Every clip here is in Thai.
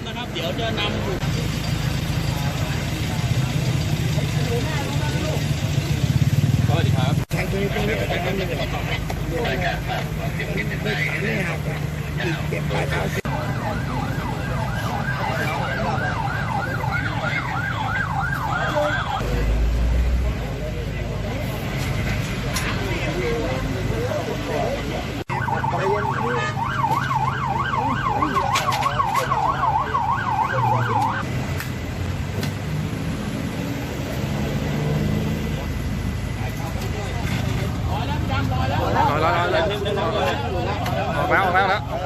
นะครับเดี๋ยวจะนำสวัสดีครับทางนี้รายการฝากความเสี่ยงนิดหนึ่งเลยเก็บปลายเท้าร้อยออกแล้ว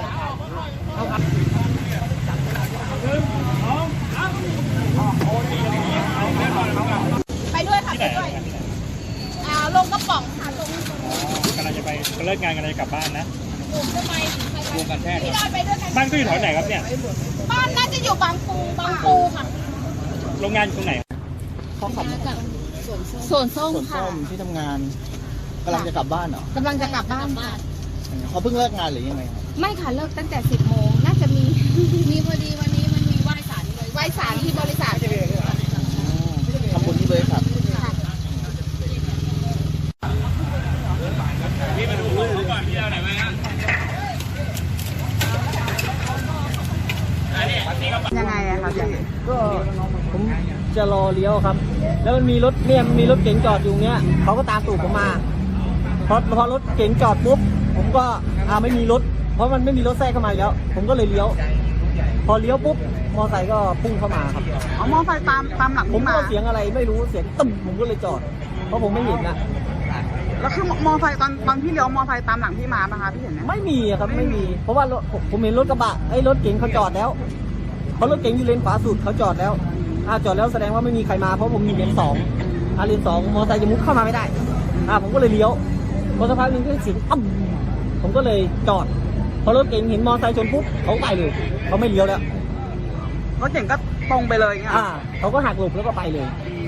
ไปด้วยค่ะไปด้วยลงกระป๋องค่ะลงกำลังจะไปเลิกงานกำลังจะกลับบ้านนะทำไมรวมกันแท้พี่ดอยไปด้วยกันบ้านก็อยู่แถวไหนครับเนี่ยบ้านน่าจะอยู่บางปูค่ะโรงงานอยู่ตรงไหนเขาขับสวนส้มค่ะที่ทำงานกำลังจะกลับบ้านเหรอกำลังจะกลับบ้านเขาเพิ่งเลิกงานหรือยังไงครับไม่ค่ะเลิกตั้งแต่10 โมงน่าจะมีพอดีวันนี้มันมีไหว้ศาลเลยไหว้ศาลที่บริษัททำบุญที่บริษัทพี่มาดูเขาก่อนพี่เอาไหนมายังไงอะคะพี่ก็ผมจะรอเลี้ยวครับแล้วมันมีรถเก๋งจอดอยู่เนี้ยเขาก็ตามตูดผมมาพอรถเก๋งจอดปุ๊บผมก็ไม่มีรถเพราะมันไม่มีรถแทรกเข้ามาแล้วผมก็เลยเลี้ยวพอเลี้ยวปุ๊บมอไซค์ก็พุ่งเข้ามาครับอ๋อมอไซค์ตามหลังผมก็เสียงอะไรไม่รู้เสียงตึ้มผมก็เลยจอดเพราะผมไม่เห็นนะแล้วคือมอไซค์ตอนที่เลี้ยวมอไซค์ตามหลังพี่มาป่ะคะพี่เห็นไหมไม่มีครับไม่มีเพราะว่ารถผมเห็นรถกระบะรถเก๋งเขาจอดแล้วเพราะรถเก๋งอยู่เลนขวาสุดเขาจอดแล้วจอดแล้วแสดงว่าไม่มีใครมาเพราะผมมีเลน2เลน2มอไซค์จะมุดเข้ามาไม่ได้ผมก็เลยเลี้ยวพอสักพักนึงก็เสียงผมก็เลยจอดพอรถเก๋งเห็นมอไซค์ชนปุ๊บเขาไปเลยเขาไม่เลี้ยวแล้วรถเก่งก็ตรงไปเลยเงี้ยเขาก็หักหลบแล้วก็ไปเลย